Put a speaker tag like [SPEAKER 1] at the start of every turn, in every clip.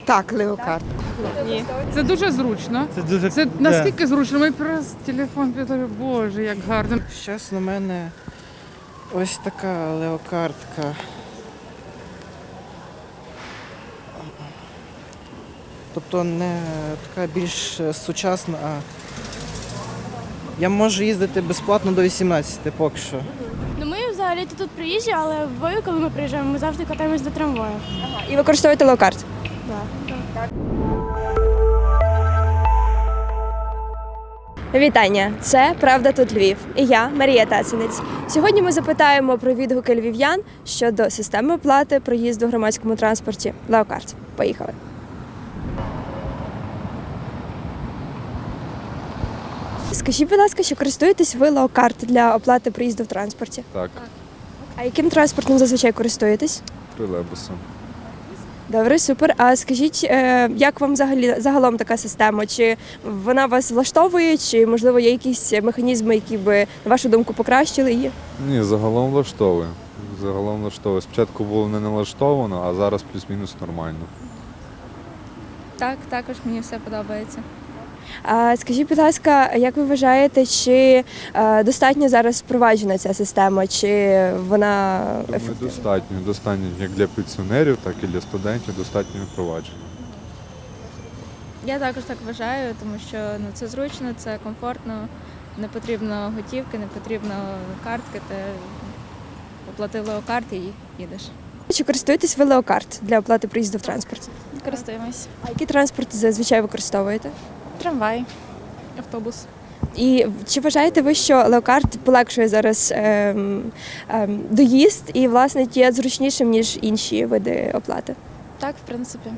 [SPEAKER 1] Так, леокарт.
[SPEAKER 2] Ні. Це дуже зручно. Це настільки зручно. Ми просто телефон підтримує. Боже, як гарно.
[SPEAKER 3] Зараз у мене ось така леокартка. Тобто не така більш сучасна, а я можу їздити безплатно до 18 поки що.
[SPEAKER 4] Ну, ми взагалі тут приїжджі, але в Львові, коли ми приїжджаємо, ми завжди катаємось до трамваю.
[SPEAKER 5] І використовуєте леокарт?
[SPEAKER 4] Так.
[SPEAKER 5] Вітання! Це «Правда тут Львів» і я, Марія Тацинець. Сьогодні ми запитаємо про відгуки львів'ян щодо системи оплати проїзду в громадському транспорті леокарт. Поїхали! Скажіть, будь ласка, чи користуєтесь ви леокарт для оплати проїзду в транспорті?
[SPEAKER 6] Так,
[SPEAKER 5] А яким транспортом зазвичай користуєтесь?
[SPEAKER 6] тролейбусом.
[SPEAKER 5] Добре, супер. А скажіть, як вам загалом така система? Чи вона вас влаштовує, чи можливо є якісь механізми, які би, на вашу думку, покращили її?
[SPEAKER 6] Ні, загалом влаштовує. Загалом влаштовує. Спочатку було не налаштовано, а зараз плюс-мінус нормально.
[SPEAKER 7] Так, також мені все подобається.
[SPEAKER 5] А скажіть, будь ласка, як ви вважаєте, чи достатньо зараз впроваджена ця система, чи вона
[SPEAKER 6] Думаю,
[SPEAKER 5] ефективна?
[SPEAKER 6] достатньо як для пенсіонерів, так і для студентів достатньо впровадження.
[SPEAKER 7] Я також так вважаю, тому що це зручно, це комфортно, не потрібно готівки, не потрібно картки, ти оплатив леокарт і їдеш.
[SPEAKER 5] Чи користуєтесь ви леокарт для оплати проїзду в транспорті?
[SPEAKER 7] Користуємось.
[SPEAKER 5] А який транспорт зазвичай використовуєте?
[SPEAKER 7] Трамвай, автобус.
[SPEAKER 5] І чи вважаєте ви, що леокарт полегшує зараз доїзд і, власне, є зручнішим, ніж інші види оплати?
[SPEAKER 7] Так, в принципі.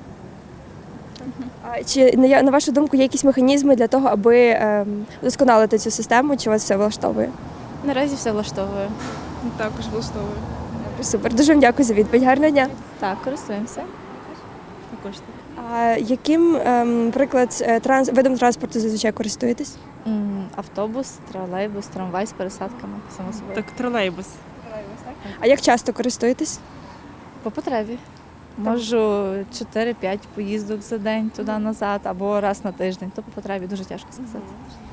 [SPEAKER 5] А чи, на вашу думку, є якісь механізми для того, аби вдосконалити цю систему, чи вас все влаштовує?
[SPEAKER 7] Наразі все влаштовує.
[SPEAKER 2] Також влаштовує.
[SPEAKER 5] Супер, дуже вам дякую за відповідь. Гарного дня.
[SPEAKER 7] Так, користуємося. Також так.
[SPEAKER 5] А яким, наприклад, видом транспорту зазвичай користуєтесь?
[SPEAKER 7] Автобус, тролейбус, трамвай з пересадками, само собою.
[SPEAKER 2] Так, тролейбус.
[SPEAKER 5] А як часто користуєтесь?
[SPEAKER 7] По потребі. Можу 4-5 поїздок за день туди-назад, або раз на тиждень. То по потребі дуже тяжко сказати.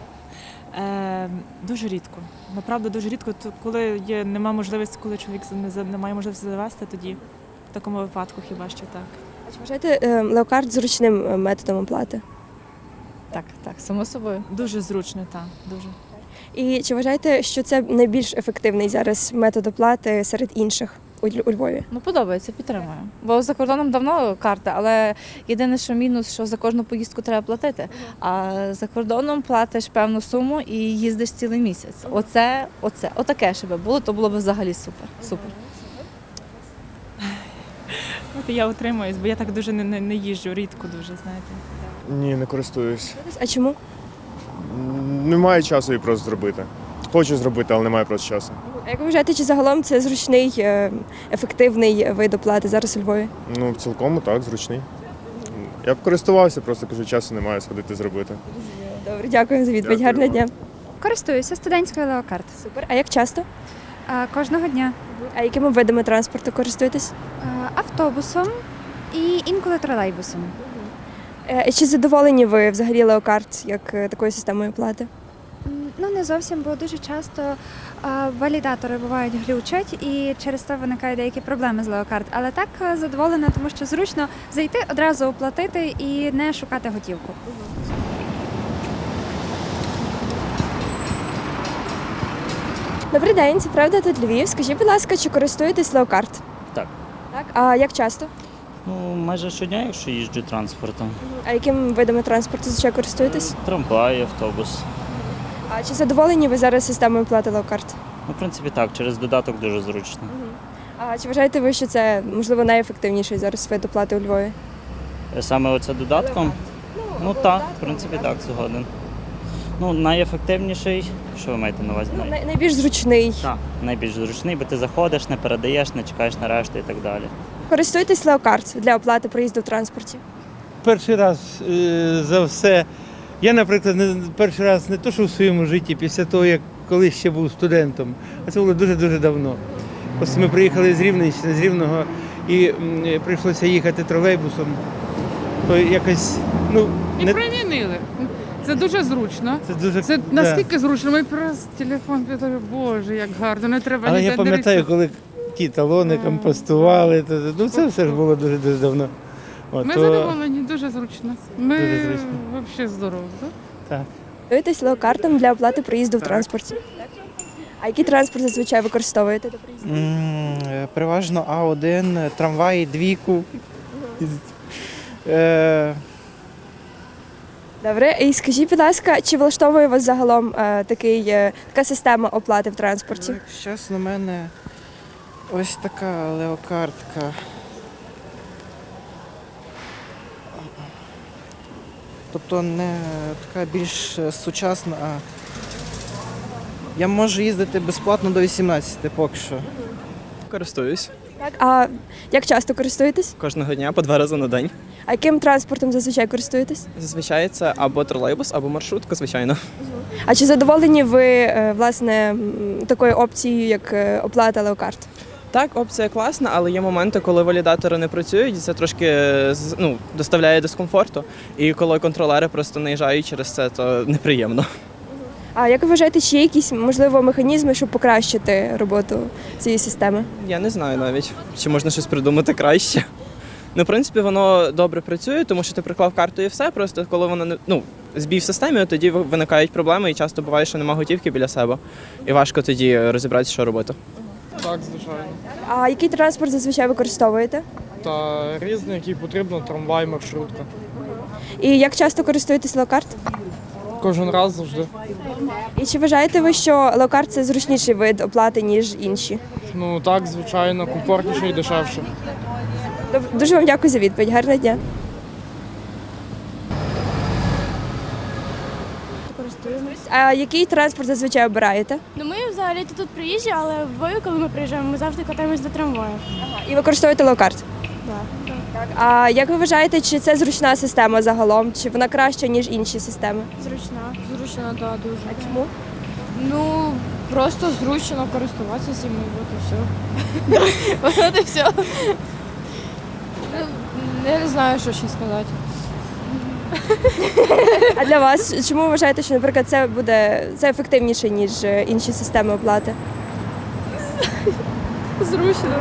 [SPEAKER 8] Дуже рідко. Направду дуже рідко. Коли немає можливості, коли чоловік не має можливості завести, тоді в такому випадку хіба що так.
[SPEAKER 5] А чи вважаєте леокарт зручним методом оплати?
[SPEAKER 7] Так, само собою.
[SPEAKER 8] Дуже зручно, так, дуже.
[SPEAKER 5] І чи вважаєте, що це найбільш ефективний зараз метод оплати серед інших у Львові?
[SPEAKER 7] Ну, подобається, підтримую. Бо за кордоном давно карта, але єдине, що мінус, що за кожну поїздку треба платити. А за кордоном платиш певну суму і їздиш цілий місяць. Отаке ще би було, то було б взагалі супер. Супер.
[SPEAKER 8] От я утримуюсь, бо я так дуже не їжджу, рідко дуже, знаєте.
[SPEAKER 9] Ні, не користуюсь.
[SPEAKER 5] А чому?
[SPEAKER 9] Немає часу її просто зробити. Хочу зробити, але немає просто часу.
[SPEAKER 5] А як ви вважаєте, чи загалом це зручний, ефективний вид оплати зараз у Львові?
[SPEAKER 9] Ну, цілком так, зручний. Я б користувався, просто кажу, часу немає сходити зробити.
[SPEAKER 5] Добре, дякую за відповідь.
[SPEAKER 9] Дякую.
[SPEAKER 5] Гарного дня.
[SPEAKER 10] Користуюся студентською леокарт.
[SPEAKER 5] Супер. А як часто?
[SPEAKER 10] Кожного дня.
[SPEAKER 5] А якими видами транспорту користуєтесь?
[SPEAKER 10] Автобусом і інколи тролейбусом.
[SPEAKER 5] Чи задоволені ви взагалі леокарт як такою системою оплати?
[SPEAKER 10] Ну, не зовсім, бо дуже часто валідатори бувають глючать і через це виникають деякі проблеми з леокарт. Але так задоволена, тому що зручно зайти, одразу оплатити і не шукати готівку.
[SPEAKER 5] Добрий день, це «Правда тут Львів». Скажіть, будь ласка, чи користуєтесь леокарт?
[SPEAKER 11] Так.
[SPEAKER 5] Так. А як часто?
[SPEAKER 11] Ну, майже щодня, якщо їжджу транспортом.
[SPEAKER 5] А якими видами транспорту зазвичай користуєтесь?
[SPEAKER 11] Трамвай, автобус.
[SPEAKER 5] А чи задоволені ви зараз системою оплати леокарт?
[SPEAKER 11] Ну, в принципі, так, через додаток дуже зручно.
[SPEAKER 5] А чи вважаєте ви, що це, можливо, найефективніший зараз вид оплати у Львові?
[SPEAKER 11] Саме оце додатком? Ну так, в принципі, так, згоден. Ну, найефективніший, що ви маєте на увазі?
[SPEAKER 5] Найбільш зручний.
[SPEAKER 11] Так, найбільш зручний, бо ти заходиш, не передаєш, не чекаєш на решту і так далі.
[SPEAKER 5] Користуєтесь леокарт для оплати проїзду в транспорті?
[SPEAKER 12] Перший раз за все. Я, наприклад, перший раз не то, що в своєму житті, після того, як колись ще був студентом, а це було дуже-дуже давно. Ось ми приїхали з Рівненщини, з Рівного, і прийшлося їхати тролейбусом. то якось, ну,
[SPEAKER 2] І
[SPEAKER 12] не
[SPEAKER 2] примінили. Це дуже зручно.
[SPEAKER 12] це дуже
[SPEAKER 2] Це
[SPEAKER 12] да.
[SPEAKER 2] настільки зручно. Ми просто телефон підтримує. Боже, як гарно. Не треба
[SPEAKER 12] Але
[SPEAKER 2] ніде
[SPEAKER 12] я пам'ятаю,
[SPEAKER 2] дивитися.
[SPEAKER 12] коли ті талони компостували, ну це все ж було дуже давно. От,
[SPEAKER 2] Ми
[SPEAKER 12] то-
[SPEAKER 2] задоволені, дуже зручно. Ми
[SPEAKER 12] Дуже зручно.
[SPEAKER 2] взагалі здорово. Да?
[SPEAKER 12] Так.
[SPEAKER 5] Користуєтесь леокартом для оплати проїзду в транспорті? А який транспорт зазвичай використовуєте до проїзду?
[SPEAKER 3] Переважно А1, трамваї, двійку.
[SPEAKER 5] Добре, і скажіть, будь ласка, чи влаштовує вас загалом така система оплати в транспорті?
[SPEAKER 3] Якщо чесно, у мене ось така леокартка. Тобто не така більш сучасна, а я можу їздити безплатно до 18 поки що.
[SPEAKER 1] Користуюсь
[SPEAKER 5] Так, а як часто користуєтесь?
[SPEAKER 1] кожного дня по 2 рази на день.
[SPEAKER 5] А яким транспортом зазвичай користуєтесь?
[SPEAKER 1] Зазвичай це або тролейбус, або маршрутка, звичайно.
[SPEAKER 5] А чи задоволені ви власне такою опцією, як оплата леокарт?
[SPEAKER 1] Так, опція класна, але є моменти, коли валідатори не працюють, і це трошки доставляє дискомфорту. І коли контролери просто наїжджають через це, то неприємно.
[SPEAKER 5] А як ви вважаєте, чи є якісь можливо механізми, щоб покращити роботу цієї системи?
[SPEAKER 1] Я не знаю навіть, чи можна щось придумати краще. Ну, в принципі, воно добре працює, тому що ти приклав карту і все. Просто коли воно збій в системі, тоді виникають проблеми, і часто буває, що немає готівки біля себе. І важко тоді розібратися, що робити.
[SPEAKER 13] Так, звичайно.
[SPEAKER 5] А який транспорт зазвичай використовуєте?
[SPEAKER 13] Та різний, який потрібно, трамвай, маршрутка.
[SPEAKER 5] І як часто користуєтесь леокарт?
[SPEAKER 13] Кожен раз завжди.
[SPEAKER 5] І чи вважаєте ви, що леокарт це зручніший вид оплати, ніж інші?
[SPEAKER 13] Ну так, звичайно, комфортніше і дешевше.
[SPEAKER 5] Дуже вам дякую за відповідь. Гарного дня.
[SPEAKER 4] Користуємось.
[SPEAKER 5] А який транспорт зазвичай обираєте?
[SPEAKER 4] Ну ми взагалі тут приїжджі, але коли ми приїжджаємо, ми завжди катаємось до трамваю.
[SPEAKER 5] І використовуєте леокарт?
[SPEAKER 4] Так.
[SPEAKER 5] А як ви вважаєте, чи це зручна система загалом? Чи вона краща, ніж інші системи?
[SPEAKER 4] Зручно, так, дуже.
[SPEAKER 5] А чому?
[SPEAKER 4] Ну, просто зручно користуватися цим, і от і все. От і все. Я не знаю, що ще сказати.
[SPEAKER 5] А для вас чому ви вважаєте, що, наприклад, це ефективніше, ніж інші системи оплати?
[SPEAKER 4] Зручно.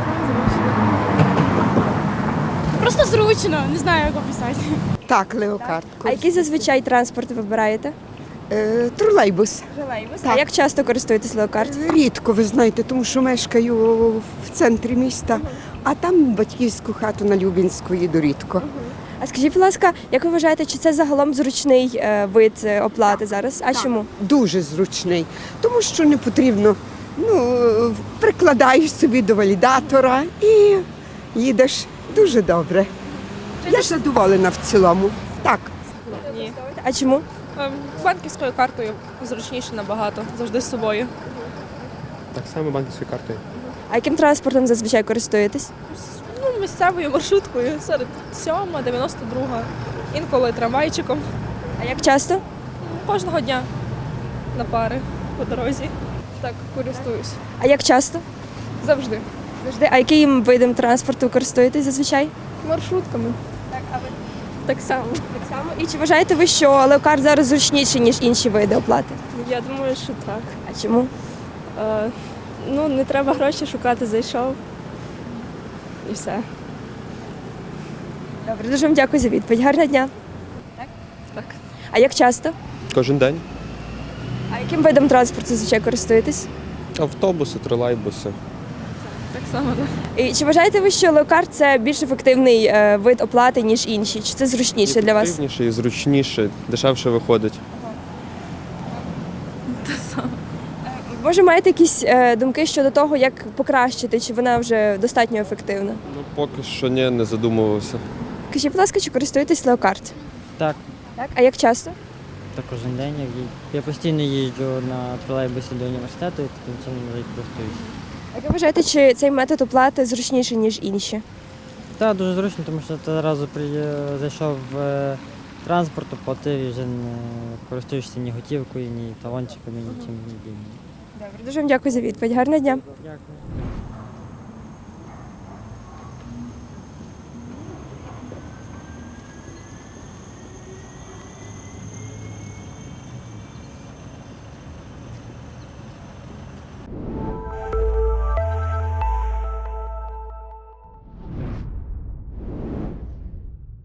[SPEAKER 4] Просто зручно, не знаю, як описати.
[SPEAKER 14] Так, леокарт.
[SPEAKER 5] А який зазвичай транспорт ви вибираєте?
[SPEAKER 14] Тролейбус.
[SPEAKER 5] А
[SPEAKER 14] Так.
[SPEAKER 5] як часто користуєтесь леокарт?
[SPEAKER 14] Рідко, ви знаєте, тому що мешкаю в центрі міста, а там батьківську хату на Любінську їду рідко.
[SPEAKER 5] А скажіть, будь ласка, як ви вважаєте, чи це загалом зручний вид оплати зараз? А чому?
[SPEAKER 14] Дуже зручний, тому що не потрібно, прикладаєш собі до валідатора і їдеш дуже добре. Я задоволена в цілому. Так.
[SPEAKER 15] Ні.
[SPEAKER 5] А чому?
[SPEAKER 15] Банківською картою зручніше набагато, завжди з собою.
[SPEAKER 9] Так само банківською картою.
[SPEAKER 5] А яким транспортом зазвичай користуєтесь?
[SPEAKER 15] Місцевою маршруткою, серед 7-ма, 92-га, інколи трамвайчиком.
[SPEAKER 5] А як часто?
[SPEAKER 15] Кожного дня на пари по дорозі. Так, користуюсь.
[SPEAKER 5] А як часто?
[SPEAKER 15] Завжди.
[SPEAKER 5] Завжди. А яким видом транспорту користуєтесь зазвичай?
[SPEAKER 15] Маршрутками.
[SPEAKER 5] Так, а ви?
[SPEAKER 15] Так само.
[SPEAKER 5] Так само. І чи вважаєте ви, що леокарт зараз зручніший, ніж інші види оплати?
[SPEAKER 15] Я думаю, що так.
[SPEAKER 5] А чому?
[SPEAKER 15] Не треба гроші шукати, зайшов. І все.
[SPEAKER 5] Добре, дуже вам дякую за відповідь. Гарного дня.
[SPEAKER 15] Так.
[SPEAKER 5] А як часто?
[SPEAKER 9] Кожен день.
[SPEAKER 5] А яким видом транспорту зазвичай користуєтесь?
[SPEAKER 9] Автобуси, тролейбуси.
[SPEAKER 15] Так само, так.
[SPEAKER 5] І чи вважаєте ви, що леокарт це більш ефективний вид оплати, ніж інші? Чи це зручніше для вас?
[SPEAKER 9] Ефективніше і зручніше, дешевше виходить.
[SPEAKER 5] Може, маєте якісь думки щодо того, як покращити, чи вона вже достатньо ефективна?
[SPEAKER 9] Ну, поки що ні, не задумувався.
[SPEAKER 5] Скажіть, будь ласка, чи користуєтесь леокарт?
[SPEAKER 16] Так,
[SPEAKER 5] Так. А як часто?
[SPEAKER 16] так кожен день я постійно їжджу на тролейбусі до університету і таким чином вже й користуюся.
[SPEAKER 5] Як ви вважаєте, чи цей метод оплати зручніший, ніж інші?
[SPEAKER 16] Так, дуже зручно, тому що ти одразу зайшов в транспорт, оплатив і вже не користуєшся ні готівкою, ні талончиками, нічим.
[SPEAKER 5] Добре, дуже вам дякую за відповідь. Гарного дня.
[SPEAKER 16] Дякую.